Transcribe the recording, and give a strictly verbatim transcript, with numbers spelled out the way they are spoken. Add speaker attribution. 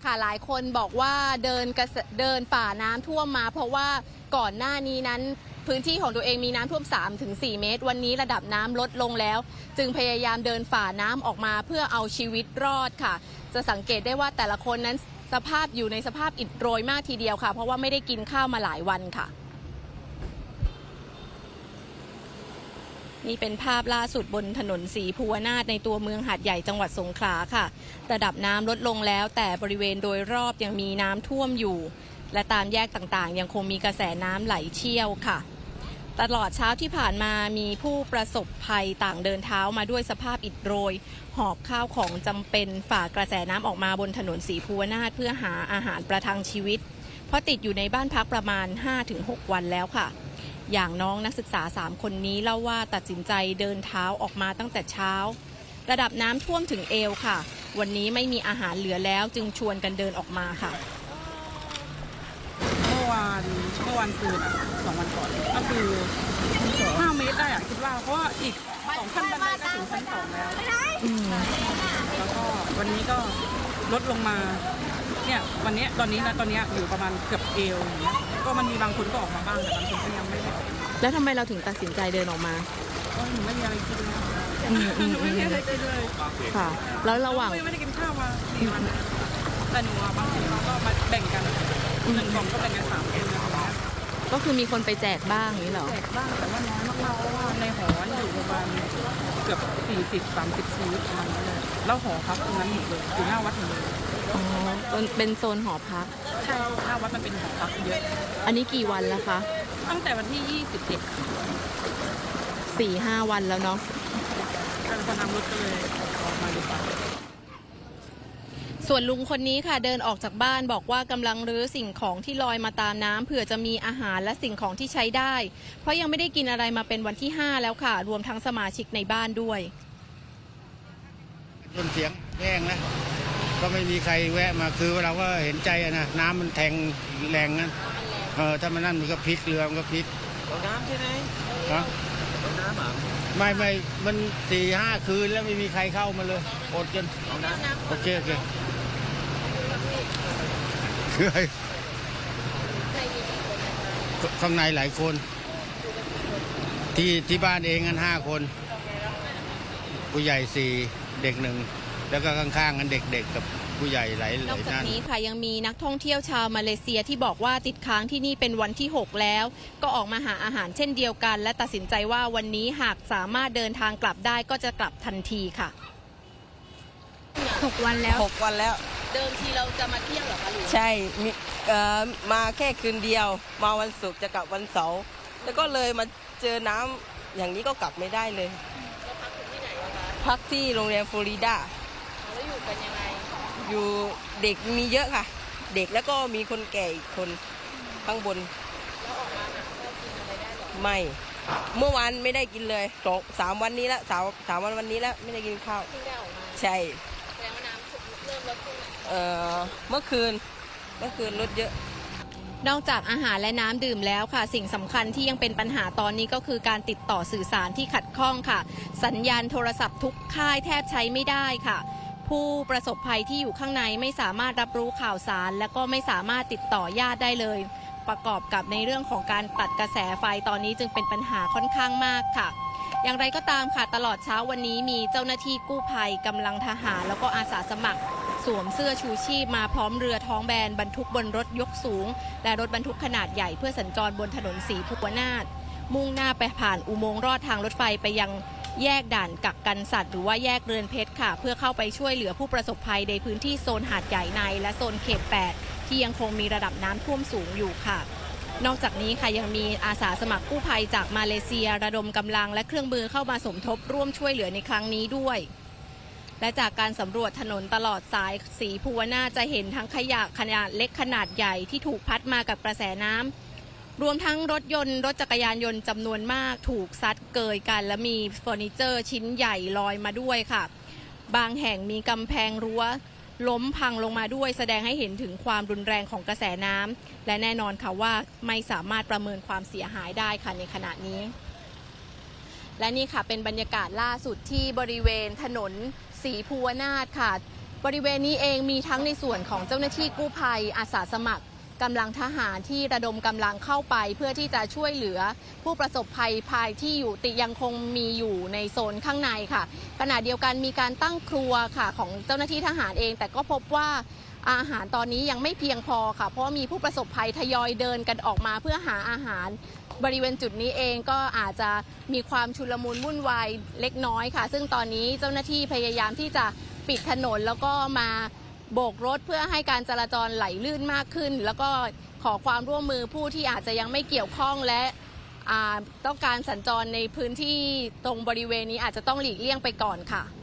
Speaker 1: ค่ะหลายคนบอกว่าเดินกระเดินฝ่าน้ำท่วมมาเพราะว่าก่อนหน้านี้นั้นพื้นที่ของตัวเองมีน้ำท่วม สามถึงสี่ เมตรวันนี้ระดับน้ำลดลงแล้วจึงพยายามเดินฝ่าน้ำออกมาเพื่อเอาชีวิตรอดค่ะจะสังเกตได้ว่าแต่ละคนนั้นสภาพอยู่ในสภาพอิดโรยมากทีเดียวค่ะเพราะว่าไม่ได้กินข้าวมาหลายวันค่ะนี่เป็นภาพล่าสุดบนถนนศรีภูวนาถในตัวเมืองหาดใหญ่จังหวัดสงขลาค่ะระดับน้ำลดลงแล้วแต่บริเวณโดยรอบยังมีน้ำท่วมอยู่และตามแยกต่างๆยังคงมีกระแสน้ำไหลเชี่ยวค่ะตลอดเช้าที่ผ่านมามีผู้ประสบภัยต่างเดินเท้ามาด้วยสภาพอิดโรยหอบข้าวของจำเป็นฝ่ากระแสน้ำออกมาบนถนนศรีภูวนาถเพื่อหาอาหารประทังชีวิตเพราะติดอยู่ในบ้านพักประมาณ ห้าถึงหก วันแล้วค่ะอย่างน้องนักศึกษาสามคนนี้เล่าว่าตัดสินใจเดินเท้าออกมาตั้งแต่เช้าระดับน้ำท่วมถึงเอวค่ะวันนี้ไม่มีอาหารเหลือแล้วจึงชวนกันเดินออกมาค่ะ
Speaker 2: เมื่อวานเมื่อวานคืนอ่ะสองวันก่อนก็คือห้าเมตรได้อ่ะคิดว่าเพราะว่าอีกสองขั้นบันไดก็ถึงชั้นสองแล้วแล้วก็วันนี้ก็ลดลงมาเนี่ยวันนี้ตอนนี้นะตอนนี้อยู่ประมาณเกือบเอวอย่างเงี้ยก็มันมีบางคนก็ออกมาบ้างแต่บางคนก็ยังไม่ได้
Speaker 1: แล้วทำไมเราถึงตัดสินใจเดินออกมา
Speaker 2: ก็หนูไม่มีอะไรกินเลยหนูไม่มีอะไรกินเลย
Speaker 1: ค่ะแล้วระหว่าง
Speaker 2: ไม่ได้กินข้าวมาสี่วันแต่หนูบางทีเราก็มาแบ่งกันหนึ่งกล่องก็แบ่งกันสามคนนะคะ
Speaker 1: ก็คือมีคนไปแจกบ้างนี้เหรอ
Speaker 2: แจกบ้างแต่ว่าน้อยมากๆเพราะว่าในหออยู่ประมาณเกือบสี่สิบสามสิบชีวิตประมาณนั้นเลยแล้วหอพักตรงนั้นหมดเลยอยู่หน้าวัดหมดเลย
Speaker 1: อ๋อเป็นโซนหอพัก
Speaker 2: ใช่หน้าวัดมันเป็นหอพักเยอะ
Speaker 1: อันนี้กี่วันแล้วคะ
Speaker 2: ตั้งแต่วันที่ยี่สิบเอ็ด
Speaker 1: สี่ห้าวันแล้วเนาะ
Speaker 2: การพนันรถก็เลยออกมาดีกว่า
Speaker 1: ส่วนลุงคนนี้ค่ะเดินออกจากบ้านบอกว่ากำลังรื้อสิ่งของที่ลอยมาตามน้ำเผื่อจะมีอาหารและสิ่งของที่ใช้ได้เพราะยังไม่ได้กินอะไรมาเป็นวันที่ห้าแล้วค่ะรวมทั้งสมาชิกในบ้านด้วย
Speaker 3: ต้นเสียงแห้งนะก็ไม่มีใครแวะมาคือเราก็เห็นใจนะน้ำมันแทงแรงนั้นเออถ้ามันนั่นมันก็พลิกเรือมันก็พลิก
Speaker 4: ตกน้ำใช่ไหม
Speaker 3: ฮะ
Speaker 4: ตกน้ำอ่ะ
Speaker 3: ไม่ไม่มันสี่ห้าคืนแล้วไม่มีใครเข้ามาเลยอดจนโอเคโอเคคือข้างในหลายคนที่ที่บ้านเองกันห้าคนผู้ใหญ่สี่เด็กหนึ่งแล้วก็ข้างๆกันเด็กๆกับผู้ใหญ่หลายๆ
Speaker 1: นอกจากนี้ค่ะยังมีนักท่องเที่ยวชาวมาเลเซียที่บอกว่าติดค้างที่นี่เป็นวันที่หกแล้วก็ออกมาหาอาหารเช่นเดียวกันและตัดสินใจว่าวันนี้หากสามารถเดินทางกลับได้ก็จะกลับทันทีค่ะ
Speaker 5: หกวันแล้ว
Speaker 4: หกวันแล้ว
Speaker 1: เดิมทีเราจะมาเที่ยวหรอคะลุง
Speaker 4: ใช่มีเอ่อมาแค่คืนเดียวมาวันศุกร์จะกลับวันเสาร์แล้วก็เลยมาเจอน้ำอย่างนี้ก็กลับไม่ได้เลย
Speaker 1: แล้วพักที่ไหนคะ
Speaker 4: พักที่โรงแรมฟลอริดา
Speaker 1: แล้วอยู่กันยังไง
Speaker 4: อยู่เด็กมีเยอะค่ะเด็กแล้วก็มีคนแก่อีกคนข้างบน
Speaker 1: แล้วออกมาหาข้าวกินอะไรได้หรอ
Speaker 4: ไม่เมื่อวานไม่ได้กินเลยสองสามวันนี้แล้วสามสามวันวันนี้แล้วไม่ได้กินข้าว
Speaker 1: เพิ่งได้ออกมา
Speaker 4: ใช่
Speaker 1: แสดงว่าน้ำเริ่มลดลง
Speaker 4: เอ่อเมื่อคืนเมื่อคืนลดเยอะ
Speaker 1: นอกจากอาหารและน้ำดื่มแล้วค่ะสิ่งสำคัญที่ยังเป็นปัญหาตอนนี้ก็คือการติดต่อสื่อสารที่ขัดข้องค่ะสัญญาณโทรศัพท์ทุกค่ายแทบใช้ไม่ได้ค่ะผู้ประสบภัยที่อยู่ข้างในไม่สามารถรับรู้ข่าวสารและก็ไม่สามารถติดต่อญาติได้เลยประกอบกับในเรื่องของการตัดกระแสไฟตอนนี้จึงเป็นปัญหาค่อนข้างมากค่ะอย่างไรก็ตามค่ะตลอดเช้าวันนี้มีเจ้าหน้าที่กู้ภัยกำลังทหารแล้วก็อาสาสมัครสวมเสื้อชูชีพมาพร้อมเรือท้องแบนบรรทุกบนรถยกสูงและรถบรรทุกขนาดใหญ่เพื่อสัญจรบนถนนศรีภูวนาถมุ่งหน้าไปผ่านอุโมงค์รอดทางรถไฟไปยังแยกด่านกักกันสัตว์หรือว่าแยกเรือนเพชรค่ะเพื่อเข้าไปช่วยเหลือผู้ประสบภัยในพื้นที่โซนหาดใหญ่ในและโซนเขตแปดที่ยังคงมีระดับน้ำท่วมสูงอยู่ค่ะนอกจากนี้ค่ะยังมีอาสาสมัครกู้ภัยจากมาเลเซียระดมกำลังและเครื่องมือเข้ามาสมทบร่วมช่วยเหลือในครั้งนี้ด้วยและจากการสำรวจถนนตลอดสายศรีภูวนาถจะเห็นทั้งขยะขนาดเล็กขนาดใหญ่ที่ถูกพัดมากับกระแสน้ำรวมทั้งรถยนต์รถจักรยานยนต์จำนวนมากถูกซัดเกยกันและมีเฟอร์นิเจอร์ชิ้นใหญ่ลอยมาด้วยค่ะบางแห่งมีกำแพงรั้วล้มพังลงมาด้วยแสดงให้เห็นถึงความรุนแรงของกระแสน้ำและแน่นอนค่ะว่าไม่สามารถประเมินความเสียหายได้ค่ะในขณะนี้และนี่ค่ะเป็นบรรยากาศล่าสุดที่บริเวณถนนศรีภูวนาถค่ะบริเวณนี้เองมีทั้งในส่วนของเจ้าหน้าที่กู้ภัยอาสาสมัครกำลังทหารที่ระดมกำลังเข้าไปเพื่อที่จะช่วยเหลือผู้ประสบภัยภายที่อยู่ติยังคงมีอยู่ในโซนข้างในค่ะขณะเดียวกันมีการตั้งครัวค่ะของเจ้าหน้าที่ทหารเองแต่ก็พบว่าอาหารตอนนี้ยังไม่เพียงพอค่ะเพราะมีผู้ประสบภัยทยอยเดินกันออกมาเพื่อหาอาหารบริเวณจุดนี้เองก็อาจจะมีความชุลมุนวุ่นวายเล็กน้อยค่ะซึ่งตอนนี้เจ้าหน้าที่พยายามที่จะปิดถนนแล้วก็มาโบกรถเพื่อให้การจราจรไหลลื่นมากขึ้นแล้วก็ขอความร่วมมือผู้ที่อาจจะยังไม่เกี่ยวข้องและต้องการสัญจรในพื้นที่ตรงบริเวณนี้อาจจะต้องหลีกเลี่ยงไปก่อนค่ะ